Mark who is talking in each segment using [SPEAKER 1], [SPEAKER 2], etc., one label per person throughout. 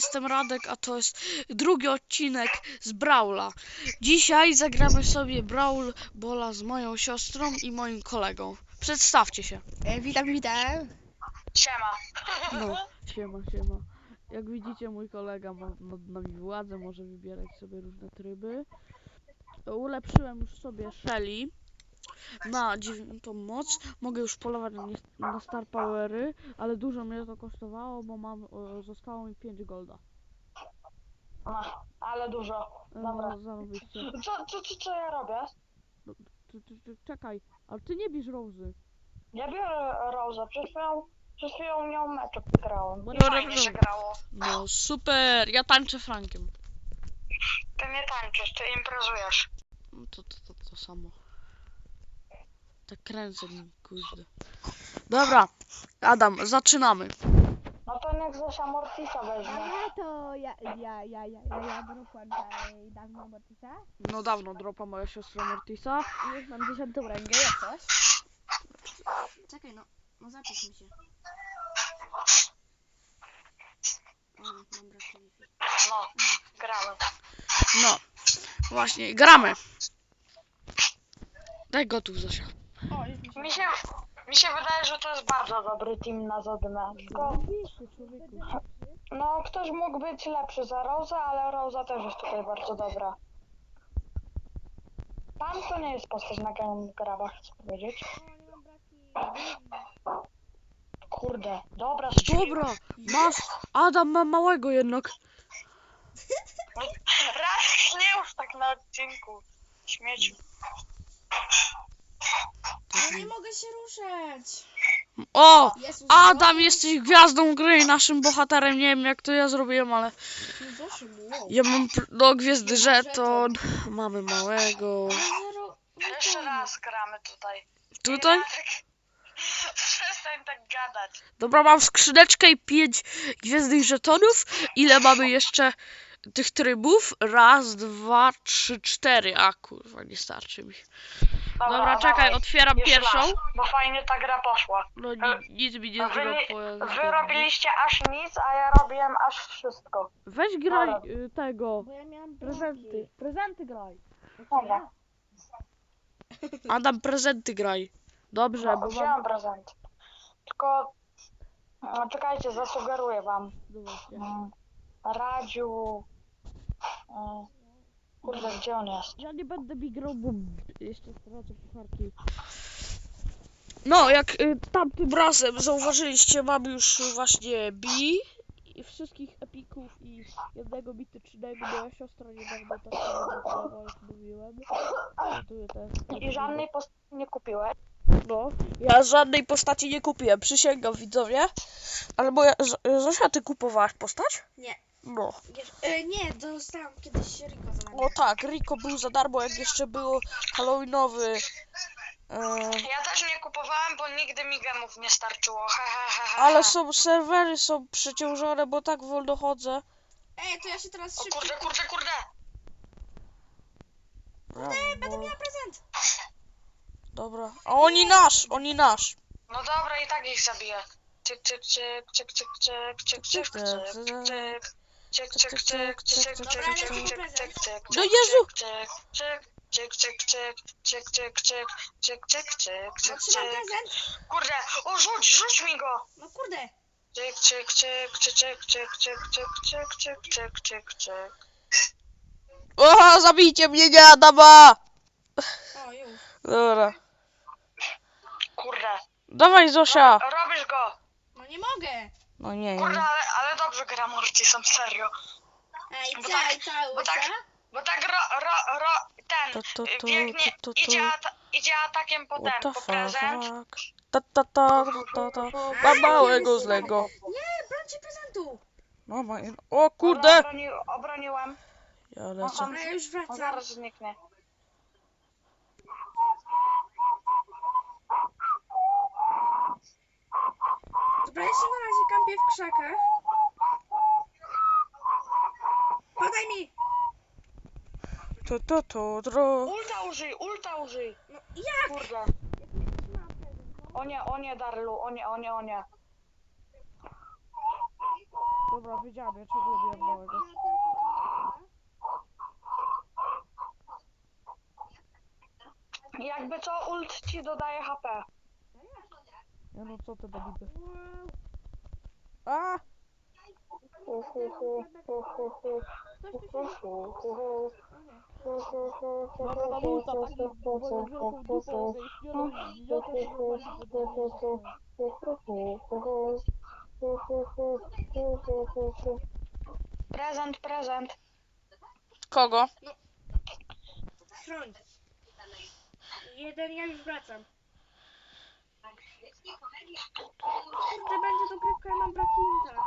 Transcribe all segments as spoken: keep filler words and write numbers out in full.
[SPEAKER 1] jestem Radek, a to jest drugi odcinek z Brawla. Dzisiaj zagramy sobie Brawl Balla z moją siostrą i moim kolegą. Przedstawcie się.
[SPEAKER 2] E, witam, witam.
[SPEAKER 3] Siema.
[SPEAKER 1] No, siema, siema. Jak widzicie, mój kolega ma nad nami władzę, może wybierać sobie różne tryby. Ulepszyłem już sobie Shelly na dziewiątą moc. Mogę już polować na, na Star Powery, ale dużo mnie to kosztowało, bo mam, o, zostało mi pięć golda.
[SPEAKER 3] No, ale dużo. Dobra.
[SPEAKER 1] No, zarobiście.
[SPEAKER 3] Co, co, co, co ja robię?
[SPEAKER 1] Ty, ty, ty, czekaj, ale ty nie bierz Rozy.
[SPEAKER 3] Ja biorę Rosa. Przed chwilą, przed chwilą nią meczek grałem.
[SPEAKER 1] No
[SPEAKER 3] I
[SPEAKER 1] dobra,
[SPEAKER 3] fajnie się
[SPEAKER 1] dobra.
[SPEAKER 3] grało.
[SPEAKER 1] No super, ja tańczę Frankiem.
[SPEAKER 3] Ty nie tańczysz, ty imprezujesz.
[SPEAKER 1] No to, to, to, to samo. Tak kręcę nim, kurde. Dobra, Adam, zaczynamy.
[SPEAKER 3] No to niech Zosia Mortisa weźmie.
[SPEAKER 2] Aha, to ja, ja, ja, ja, ja, ja dropłem tutaj dawno Mortisa.
[SPEAKER 1] No dawno dropa moja siostra Mortisa.
[SPEAKER 2] I już mam dziesiątą rangę, jak coś. Czekaj, no, no zapisz mi się. O, mam brak Wi-Fi.
[SPEAKER 3] No, gramy.
[SPEAKER 1] No, właśnie, gramy. Daj gotów, Zosia.
[SPEAKER 2] O, już mi się...
[SPEAKER 3] Mi się, mi się wydaje, że to jest bardzo dobry team na Zodmę. Tylko, no, ktoś mógł być lepszy za Rosa, ale Rosa też jest tutaj bardzo dobra. Pan to nie jest postać na grabach, chcę powiedzieć. Kurde, dobra, strzeliłem.
[SPEAKER 1] Dobra, masz, Adam ma małego jednak.
[SPEAKER 3] Raz nie już tak na odcinku. Śmieciu.
[SPEAKER 2] Ja nie mogę się ruszać.
[SPEAKER 1] O,
[SPEAKER 2] Jezus,
[SPEAKER 1] Adam, jesteś gwiazdą gry i naszym bohaterem. Nie wiem, jak to ja zrobiłem, ale
[SPEAKER 2] wow.
[SPEAKER 1] ja mam pr- do gwiazdy żeton. Mamy małego.
[SPEAKER 2] Zero...
[SPEAKER 3] Jeszcze raz gramy tutaj.
[SPEAKER 1] Tutaj?
[SPEAKER 3] Radek, przestań tak gadać.
[SPEAKER 1] Dobra, mam skrzyneczkę i pięć gwiezdnych żetonów. Ile mamy jeszcze tych trybów? Raz, dwa, trzy, cztery. A kurwa, nie starczy mi. Dobra, czekaj,
[SPEAKER 3] dawaj.
[SPEAKER 1] otwieram
[SPEAKER 3] Jeszcze
[SPEAKER 1] pierwszą.
[SPEAKER 3] raz, bo fajnie ta gra poszła.
[SPEAKER 1] No ni- nic mi nie
[SPEAKER 3] Wy, nie-
[SPEAKER 1] zrobiło.
[SPEAKER 3] wy robiliście aż nic, a ja robiłem aż wszystko.
[SPEAKER 1] Weź graj y, tego.
[SPEAKER 2] Bo ja miałam
[SPEAKER 1] Prezenty. Prezenty graj.
[SPEAKER 3] Dobra,
[SPEAKER 1] Adam, prezenty graj. Dobrze,
[SPEAKER 3] no,
[SPEAKER 1] bo mam...
[SPEAKER 3] wziąłem prezent. Tylko, no, czekajcie, zasugeruję wam.
[SPEAKER 1] No właśnie.
[SPEAKER 3] Mm, Radziu... mm, Kurde, gdzie on jest?
[SPEAKER 1] Ja nie będę mi grał, bo jeszcze stracę pucharki. No, jak y, tamtym razem zauważyliście, mam już właśnie B i wszystkich epików i jednego mitycznego. Moja siostra niedawno tak samo jak mówiłem. Gotuję te-
[SPEAKER 3] I żadnej postaci nie kupiłeś?
[SPEAKER 1] No, ja żadnej postaci nie kupiłem, przysięgam, widzowie. Ale moja... Z- Zosia, ty kupowałaś postać?
[SPEAKER 2] Nie.
[SPEAKER 1] No.
[SPEAKER 2] E, nie, dostałam kiedyś Rico za
[SPEAKER 1] No tak, Rico był za darmo, jak jeszcze był halloweenowy. E,
[SPEAKER 3] Ja też nie kupowałem, bo nigdy mi gemów nie starczyło. He, he, he, he.
[SPEAKER 1] ale są serwery, są przeciążone, bo tak wolno chodzę.
[SPEAKER 2] Ej, to ja się teraz
[SPEAKER 3] O
[SPEAKER 2] szybko...
[SPEAKER 3] kurde, kurde, kurde!
[SPEAKER 2] Ej, będę miała prezent!
[SPEAKER 1] Dobra, a oni nasz, oni nasz.
[SPEAKER 3] No dobra, i tak ich zabiję. Cyk, cyk, cyk, cyk, cyk, cyk, cyk, cyk, cyk, cyk. Cyk, cyk, cyk, cyk, cyk, cyk, cyk, cyk, cyk, cyk.
[SPEAKER 1] No Jezu!
[SPEAKER 3] Cyk, cyk, cyk, cyk, cyk, cyk, cyk, cyk, cyk, cyk, cyk,
[SPEAKER 2] Otrzymam
[SPEAKER 3] cyk.
[SPEAKER 2] prezent!
[SPEAKER 3] Kurde, o rzuć, rzuć mi go!
[SPEAKER 2] No kurde!
[SPEAKER 3] Cyk, cyk, cyk, cyk, cyk, cyk, cyk, cyk, cyk, cyk, cyk, cyk.
[SPEAKER 1] O, zabijcie mnie, nie Adama!
[SPEAKER 2] O, już.
[SPEAKER 1] Dobra.
[SPEAKER 3] Kurde.
[SPEAKER 1] Dawaj, Zosia.
[SPEAKER 3] Ro- Robisz go!
[SPEAKER 2] No nie mogę!
[SPEAKER 1] No nie,
[SPEAKER 3] Kurde,
[SPEAKER 1] nie.
[SPEAKER 3] ale, ale dobrze gra Mortisem, serio.
[SPEAKER 2] Ej,
[SPEAKER 3] Bo
[SPEAKER 2] co,
[SPEAKER 3] tak-
[SPEAKER 2] i cały,
[SPEAKER 3] bo tak-
[SPEAKER 2] co?
[SPEAKER 3] Bo tak ro, ro, ro, ten,
[SPEAKER 1] To, to, to,
[SPEAKER 3] biegnie,
[SPEAKER 1] to, to,
[SPEAKER 3] idzie,
[SPEAKER 1] to.
[SPEAKER 3] ata idzie atakiem po
[SPEAKER 1] What
[SPEAKER 3] ten,
[SPEAKER 1] the
[SPEAKER 3] po prezent.
[SPEAKER 1] fuck? Ta, ta, ta, ta, ta. Mam małego złego.
[SPEAKER 2] Nie, brońcie prezentu!
[SPEAKER 1] No, ma... O
[SPEAKER 3] Dobra,
[SPEAKER 1] kurde!
[SPEAKER 3] Obroni, obroniłem.
[SPEAKER 1] Ja
[SPEAKER 3] On,
[SPEAKER 1] lecę.
[SPEAKER 3] on,
[SPEAKER 2] A ja już
[SPEAKER 3] on
[SPEAKER 2] wracam.
[SPEAKER 3] zaraz zniknie.
[SPEAKER 2] Dobra, ja się na razie kampię w krzakach. Podaj mi!
[SPEAKER 1] To, to, to, to.
[SPEAKER 3] Ulta użyj, ulta użyj.
[SPEAKER 2] No jak?
[SPEAKER 3] Kurde. O nie, o nie, Darlu, o nie, o nie, o nie.
[SPEAKER 1] Dobra, wiedziałem, ja ciągle biłem małego.
[SPEAKER 3] Jakby co, ult ci dodaje H P.
[SPEAKER 1] Ja no co ty debidy. A!
[SPEAKER 3] Hu, hu, hu, hu, hu, hu. Hu, hu, hu, hu.
[SPEAKER 1] Dobra, na ulta taki moją wielką dupą zaistnioną idiotę, że normalnie podnosi się.
[SPEAKER 3] Prezent, prezent.
[SPEAKER 1] Kogo?
[SPEAKER 2] Chroń. Jeden, ja już wracam. Kurde, będzie dogrywka, ja mam brakinta.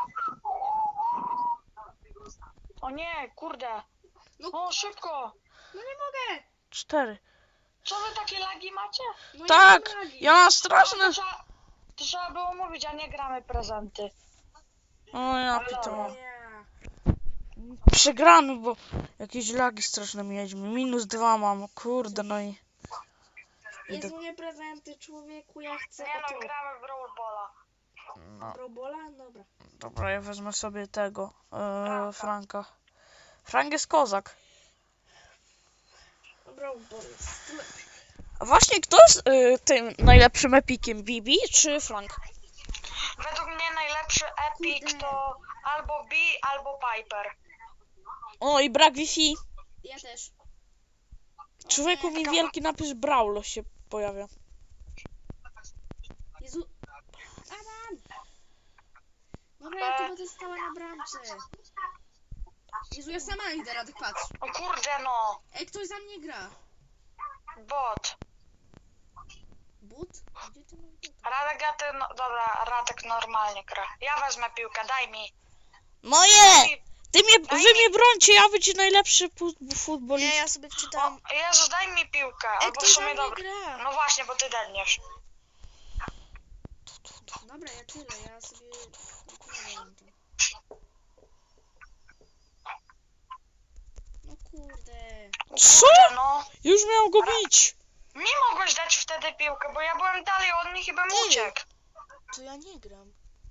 [SPEAKER 3] O nie, kurde.
[SPEAKER 2] No.
[SPEAKER 3] O, szybko.
[SPEAKER 2] No nie mogę.
[SPEAKER 1] Cztery.
[SPEAKER 3] Co wy takie lagi macie?
[SPEAKER 2] No
[SPEAKER 1] Tak!
[SPEAKER 2] ja mam lagi.
[SPEAKER 1] Ja mam
[SPEAKER 3] No,
[SPEAKER 1] straszne...
[SPEAKER 3] to, trzeba, to trzeba było mówić, a nie gramy prezenty.
[SPEAKER 1] O ja pitą.
[SPEAKER 2] Nie.
[SPEAKER 1] Przegramy, bo jakieś lagi straszne mieliśmy. Minus dwa mam, kurde, no i...
[SPEAKER 2] Jest u mnie prezenty, człowieku, ja chcę
[SPEAKER 3] Nie
[SPEAKER 2] o
[SPEAKER 3] no,
[SPEAKER 2] to.
[SPEAKER 3] gramy w Brawl Balla.
[SPEAKER 1] No,
[SPEAKER 2] Robola? Dobra.
[SPEAKER 1] dobra, ja wezmę sobie tego, e, Franka. Frank jest kozak.
[SPEAKER 2] Robol jest lepszy.
[SPEAKER 1] A właśnie, kto jest e, tym najlepszym epikiem? Bibi czy Frank?
[SPEAKER 3] Według mnie najlepszy epic
[SPEAKER 2] Kurde.
[SPEAKER 3] to albo B, albo Piper.
[SPEAKER 1] O, i brak Wi-Fi.
[SPEAKER 2] Ja też.
[SPEAKER 1] Człowieku, mi wielki napis Brawlo się pojawia.
[SPEAKER 2] Jezu. Adam! Dobra, ja tu będę stała na bramce. Jezu, ja sama idę, Radek, patrz.
[SPEAKER 3] O kurde no,
[SPEAKER 2] Ej, ktoś za mnie gra.
[SPEAKER 3] bot.
[SPEAKER 2] But? Gdzie ty masz buta?
[SPEAKER 3] Radek, ja ty, no, dobra, Radek normalnie gra. Ja wezmę piłkę, daj mi.
[SPEAKER 1] Moje! Ty mnie,
[SPEAKER 3] Daj
[SPEAKER 1] wy
[SPEAKER 3] mi-
[SPEAKER 1] mnie brońcie, ja być najlepszy pu- futbolista.
[SPEAKER 2] Nie, ja sobie wczytałam.
[SPEAKER 3] O, Jezu, daj mi piłkę,
[SPEAKER 2] Ej,
[SPEAKER 3] albo w
[SPEAKER 2] ktoś za
[SPEAKER 3] sumie
[SPEAKER 2] mnie
[SPEAKER 3] dobra.
[SPEAKER 2] gra.
[SPEAKER 3] No właśnie, bo ty dedniesz.
[SPEAKER 2] Dobra, ja tyle, ja sobie... Układam to. No kurde.
[SPEAKER 3] O
[SPEAKER 1] Co?
[SPEAKER 3] kurde no.
[SPEAKER 1] Już miał go bić.
[SPEAKER 3] Mi mogłeś dać wtedy piłkę, bo ja byłem dalej od nich i bym
[SPEAKER 2] Ty.
[SPEAKER 3] uciekł.
[SPEAKER 2] To ja nie gram.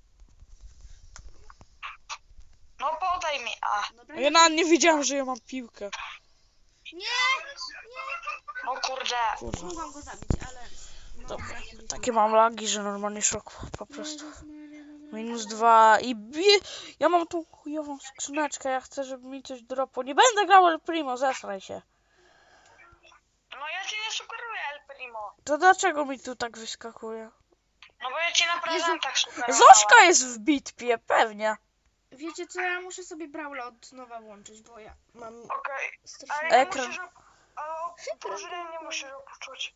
[SPEAKER 3] No podaj mi, a.
[SPEAKER 2] Dobra,
[SPEAKER 1] Ja nawet nie wiedziałem, że ja mam piłkę.
[SPEAKER 2] Nie!
[SPEAKER 3] O kurde.
[SPEAKER 1] Kurwa.
[SPEAKER 2] Mogłam go zabić, ale... No,
[SPEAKER 1] Dobra,
[SPEAKER 2] braki
[SPEAKER 1] takie mam lagi, że normalnie szok po prostu.
[SPEAKER 2] Jezus Maria, no, no,
[SPEAKER 1] Minus dwa i bie... Ja mam tą chujową skrzyneczkę, ja chcę, żeby mi coś dropło. Nie będę grał El Primo, zesraj się.
[SPEAKER 3] No ja ci nie sugeruję El Primo.
[SPEAKER 1] To dlaczego mi tu tak wyskakuje?
[SPEAKER 3] No bo ja ci na prezentach sugerowałem.
[SPEAKER 1] Zośka jest w bitwie, pewnie.
[SPEAKER 2] Wiecie co, ja muszę sobie Brawla od nowa włączyć, bo ja mam
[SPEAKER 3] Okej, ale
[SPEAKER 2] strasznie...
[SPEAKER 3] nie
[SPEAKER 1] Ekran.
[SPEAKER 3] musisz... Ale o drużynie nie musisz opuszczać.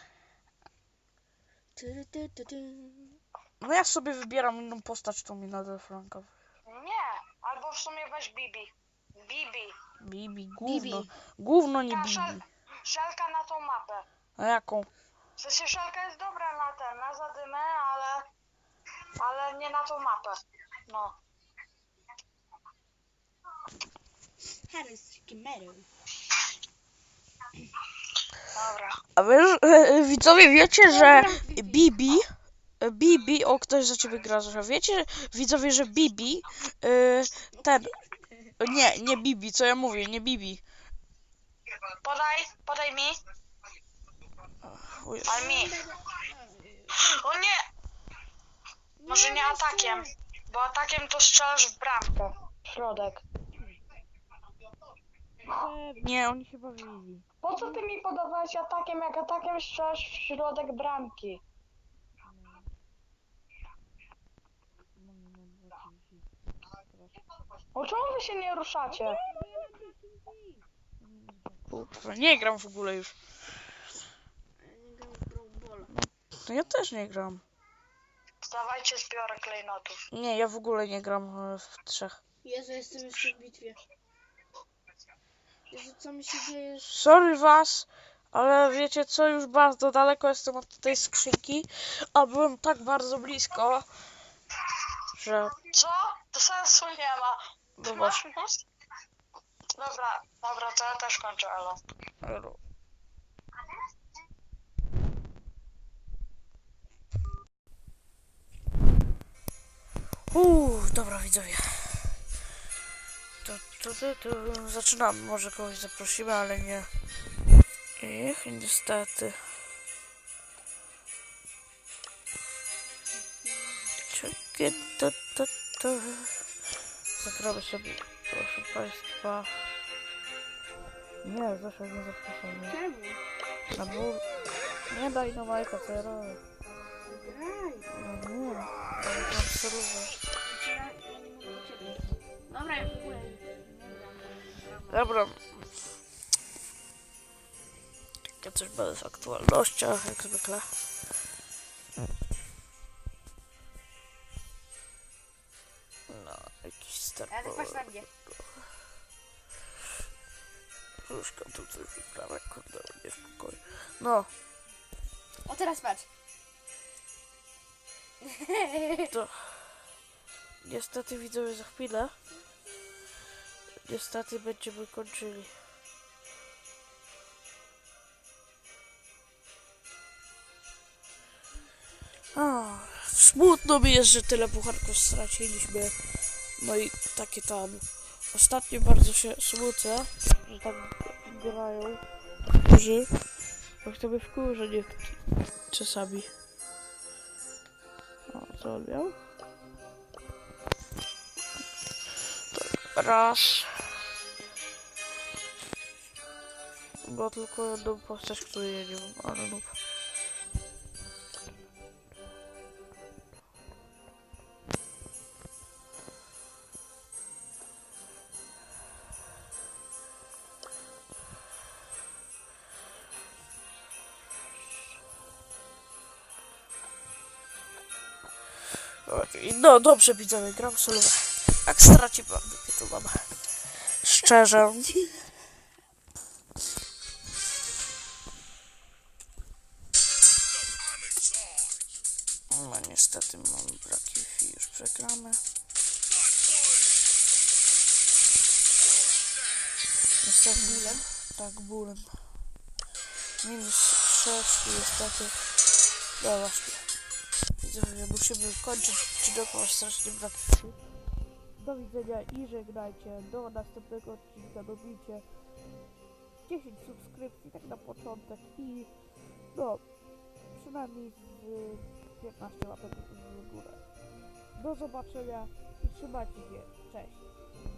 [SPEAKER 2] Ty, ty, ty, ty.
[SPEAKER 1] No ja sobie wybieram inną postać, tą mi nadal Franka.
[SPEAKER 3] Nie, albo w sumie weź Bibi. Bibi.
[SPEAKER 1] Bibi, gówno.
[SPEAKER 2] Bibi.
[SPEAKER 1] Gówno nie
[SPEAKER 3] Ta
[SPEAKER 1] Bibi.
[SPEAKER 3] szel, szelka na tą mapę.
[SPEAKER 1] A jaką?
[SPEAKER 3] W sensie szelka jest dobra na ten, na zadymę, ale... Ale nie na tą mapę. No.
[SPEAKER 2] Harris Kimero.
[SPEAKER 3] Dobra.
[SPEAKER 1] A wiesz, e, widzowie, wiecie, że Bibi, e, Bibi, o, ktoś za ciebie gra, że wiecie, widzowie, że Bibi, e, ten, nie, nie Bibi, co ja mówię, nie Bibi.
[SPEAKER 3] Podaj, podaj mi.
[SPEAKER 1] O Jezu.
[SPEAKER 3] Ale mi. O nie! Może nie atakiem. Bo atakiem to strzelasz w bramkę. Środek.
[SPEAKER 1] Nie, oni chyba Bibi.
[SPEAKER 3] Po co ty mi podawałeś atakiem, jak atakiem strzelasz w środek bramki? O czemu wy się nie ruszacie?
[SPEAKER 1] Kurwa, nie gram w ogóle już.
[SPEAKER 2] Ja nie gram w Brawl Ball.
[SPEAKER 1] To ja też nie gram.
[SPEAKER 3] Dawajcie zbiorę klejnotów.
[SPEAKER 1] Nie, ja w ogóle nie gram e, w trzech.
[SPEAKER 2] Jezu, jestem jeszcze w bitwie. Jezu, co mi się dzieje?
[SPEAKER 1] Sorry was, ale wiecie co, już bardzo daleko jestem od tej skrzynki, a byłem tak bardzo blisko, że...
[SPEAKER 3] Co? To sensu nie ma.
[SPEAKER 1] No
[SPEAKER 3] Masz
[SPEAKER 1] właśnie.
[SPEAKER 3] mózg? Dobra, dobra, to ja też kończę, Elo.
[SPEAKER 1] Uuu, dobra widzowie. Tu, tu, tu, tu. Zaczynamy, może kogoś zaprosimy, ale nie. Ich, niestety. Czekaj, to, to, to. Zagramy sobie, proszę Państwa. Nie, zawsze nie zapraszamy.
[SPEAKER 2] Czemu?
[SPEAKER 1] Na ból. Nie daj na Majka, co ja robię.
[SPEAKER 2] Graj.
[SPEAKER 1] No nie, ale mam surówę.
[SPEAKER 2] Ja, ja nie mogę do ciebie. Dobra, ja w ogóle nie gram.
[SPEAKER 1] Dobra. Ja coś będę w aktualnościach, jak zwykle. No, jakiś start.
[SPEAKER 2] Ja tak patrz na mnie.
[SPEAKER 1] Różka tu coś wyprawia, kurde, nie w pokoju. No,
[SPEAKER 2] O, teraz patrz.
[SPEAKER 1] to... Niestety widzowie za chwilę. Niestety będziemy kończyli. O, smutno mi jest, że tyle pucharków straciliśmy. No i takie tam. Ostatnio bardzo się smucę, że tak grają niektórzy. Bo to by wkurza nie czasami. O, co on miał? Tak, raz. Bo tylko jedną postać, której ja nie mam, ale no. No dobrze, widzowie, gram solowe. Jak straci bardzo, to mam. Szczerze. No niestety mam braki i już przegramy. Niestety bólem? Tak, bólem. Minus sześć i niestety. No właśnie. Widzowie, musimy kończyć, czy dokładnie strasznie braki. Do widzenia i żegnajcie. Do następnego odcinka. Dobijcie dziesięć subskrypcji, tak na początek. I no, przynajmniej z piętnaście łapek w górę. Do zobaczenia i trzymajcie się. Cześć.